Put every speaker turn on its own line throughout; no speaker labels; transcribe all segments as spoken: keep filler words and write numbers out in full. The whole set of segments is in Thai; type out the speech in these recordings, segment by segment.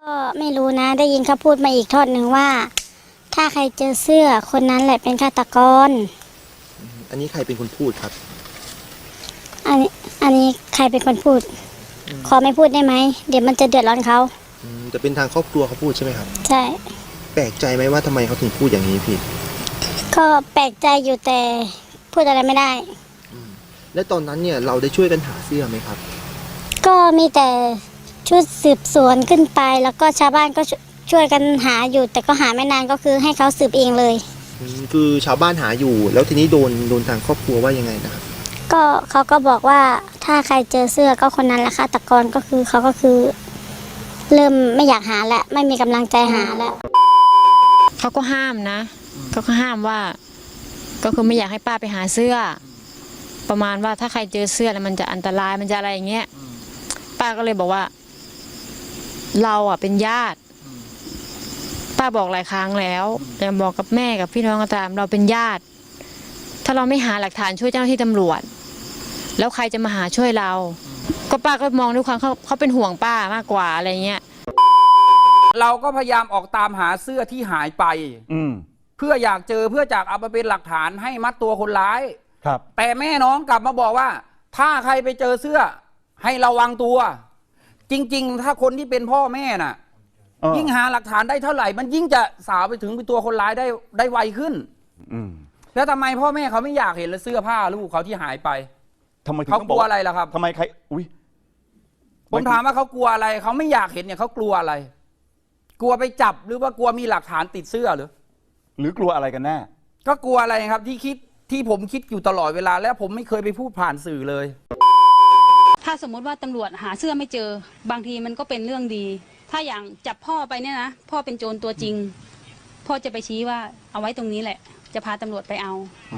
ก็ไม่รู้นะได้ยินเขาพูดมาอีกทอดหนึ่งว่า ถ้าใครเจอเสื้อคนนั้นแหละเป็นฆาตกร
อันนี้ใครเป็นคนพูดครับ
อันนี้อันนี้ใครเป็นคนพูดขอไม่พูดได้ไหมเดี๋ยวมันจะเดือดร้อนเขา
จะเป็นทางครอบครัวเขาพูดใช่ไหมครับ
ใช่
แปลกใจไหมว่าทำไมเขาถึงพูดอย่างนี้พี่
ก็แปลกใจอยู่แต่พูดอะไรไม่ได้
และตอนนั้นเนี่ยเราได้ช่วยกันหาเสื้อไหมครับ
ก็มีแต่ชุดสืบสวนขึ้นไปแล้วก็ชาวบ้านก็ช่วยกันหาอยู่แต่ก็หาไม่นานก็คือให้เขาสืบเองเลย
คือชาวบ้านหาอยู่แล้วทีนี้โดนโดนทางครอบครัวว่ายังไงนะครับ
ก็เขาก็บอกว่าถ้าใครเจอเสื้อก็คนนั้นแหละฆาตกรก็คือเขาก็คือเริ่มไม่อยากหาแล้วไม่มีกำลังใจหาแล้ว
เขาก็ห้ามนะเขาก็ห้ามว่าก็คือไม่อยากให้ป้าไปหาเสื้อประมาณว่าถ้าใครเจอเสื้อแล้วมันจะอันตรายมันจะอะไรอย่างเงี้ยป้าก็เลยบอกว่าเราอ่ะเป็นญาติป้าบอกหลายครั้งแล้วแต่บอกกับแม่กับพี่น้องก็ตามเราเป็นญาติถ้าเราไม่หาหลักฐานช่วยเจ้าหน้าที่ตำรวจแล้วใครจะมาหาช่วยเราก็ป้าก็มองด้วยความเขาเขาเป็นห่วงป้ามากกว่าอะไรเงี้ย
เราก็พยายามออกตามหาเสื้อที่หายไปเพื่ออยากเจอเพื่อจากเอาไปเป็นหลักฐานให้มัดตัวคนร้าย
ครับ
แต่แม่น้องกลับมาบอกว่าถ้าใครไปเจอเสื้อให้ระวังตัวจริงๆถ้าคนที่เป็นพ่อแม่น่ะยิ่งหาหลักฐานได้เท่าไหร่มันยิ่งจะสาวไปถึงเป็นตัวคนร้ายได้ได้ไวขึ้นแล้วทำไมพ่อแม่เขาไม่อยากเห็นเสื้อผ้าลูกเขาที่หายไป
ทำไม
เขากลัวอะไรล่ะครับ
ทำไมใครอุ้ย
ผมถามว่าเขากลัวอะไรเขาไม่อยากเห็นเนี่ยเขากลัวอะไรกลัวไปจับหรือว่ากลัวมีหลักฐานติดเสื้อหรือ
หรือกลัวอะไรกันแน่
ก็กลัวอะไรครับที่คิดที่ผมคิดอยู่ตลอดเวลาแล้วผมไม่เคยไปพูดผ่านสื่อเลย
ถ้าสมมติว่าตำรวจหาเสื้อไม่เจอบางทีมันก็เป็นเรื่องดีถ้าอย่างจับพ่อไปเนี่ยนะพ่อเป็นโจรตัวจริงพ่อจะไปชี้ว่าเอาไว้ตรงนี้แหละจะพาตำรวจไปเอา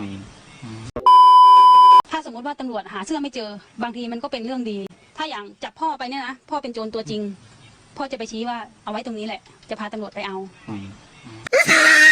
ถ้าสมมติว่าตำรวจหาเสื้อไม่เจอบางทีมันก็เป็นเรื่องดีถ้าอย่างจับพ่อไปเนี่ยนะพ่อเป็นโจรตัวจริงพ่อจะไปชี้ว่าเอาไว้ตรงนี้แหละจะพาตำรวจไปเอา